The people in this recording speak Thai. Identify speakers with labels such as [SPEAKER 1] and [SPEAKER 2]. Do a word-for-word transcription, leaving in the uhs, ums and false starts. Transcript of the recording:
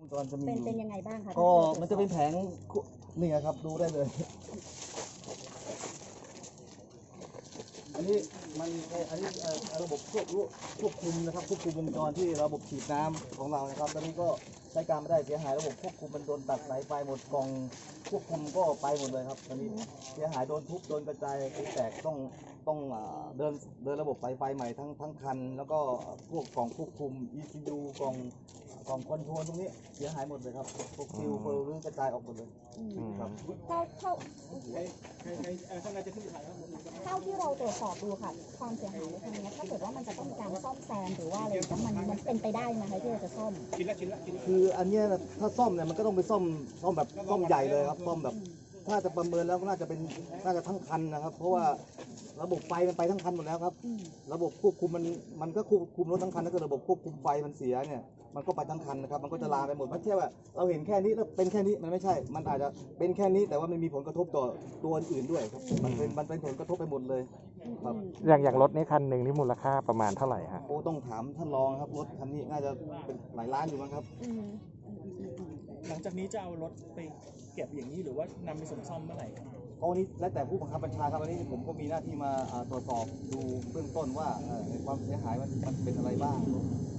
[SPEAKER 1] ตอนจะมีเป็น
[SPEAKER 2] เป็นยังไงบ้างคะ
[SPEAKER 1] ก็มันจะเป็นแผงนี่ครับดูได้เลยอันนี้มันอันนี้ระบบควบควบคุมนะครับควบคุมวงจรที่ระบบฉีดน้ำของเรานะครับตอนนี้ก็ใช้การไม่ได้เสียหายระบบควบคุมมันโดนตัดสายไฟหมดกล่องควบคุมก็ไปหมดเลยครับตอนนี้เสียหายโดนทุบโดนกระจายแตกต้องต้องเดินเดินระบบสายไฟใหม่ทั้งทั้งคันแล้วก็พวกกล่องควบคุม อี ซี ยู กล่องกล่องคอนโทรลตรงนี้เสียหายหมดเลยครับพวกฟิวเฟอร์รื้อกระจายออกหมดเลยครับ
[SPEAKER 2] เท่าเท่าเท่าที่เราตรวจสอบดูค่ะความเสียหายในครั้งนี้ถ้าเกิดว่ามันจะต้องการซ่อมแซมหรือว่าอะไรมันมันเป็นไปได้ไหมคะที่เราจะซ่อม
[SPEAKER 1] คืออันนี้ถ้าซ่อมเนี่ยมันก็ต้องไปซ่อมซ่อมแบบซ่อมใหญ่เลยครับซ่อมแบบถ้าจะประเมินแล้วก็น่าจะเป็นน่าจะทั้งคันนะครับเพราะว่าระบบไฟมันไปทั้งคันหมดแล้วครับระบบควบคุมมันมันก็ควบคุมรถทั้งคันถ้าเกิดระบบควบคุมไฟมันเสียเนี่ยมันก็ไปทั้งคันนะครับมันก็จะลามไปหมดไม่ใช่ว่าเราเห็นแค่นี้แล้วเป็นแค่นี้มันไม่ใช่มันอาจจะเป็นแค่นี้แต่ว่ามันมีผลกระทบต่อตัวอื่นด้วยครับมันเป็นมันเป็นผลกระทบไปหมดเลยครับ
[SPEAKER 3] อย่างอย่างรถนี้คันหนึ่งที่มูลค่าประมาณเท่าไหร่ฮะ
[SPEAKER 1] โอ้ต้องถามท่านรองครับรถคันนี้น่าจะเป็นหลายล้านอยู่มั้งครับ
[SPEAKER 4] หลังจากนี้จะเอารถไปเก็บอย่างนี้หรือว่านำไปส่งซ่อมเมื่อไหร่
[SPEAKER 1] ตอนนี้แล้วแต่ผู้บังคับบัญชาครับวันนี้ผมก็มีหน้าที่มาตรวจสอบดูเบื้องต้นว่าความเสียหายมันมันเป็นอะไรบ้าง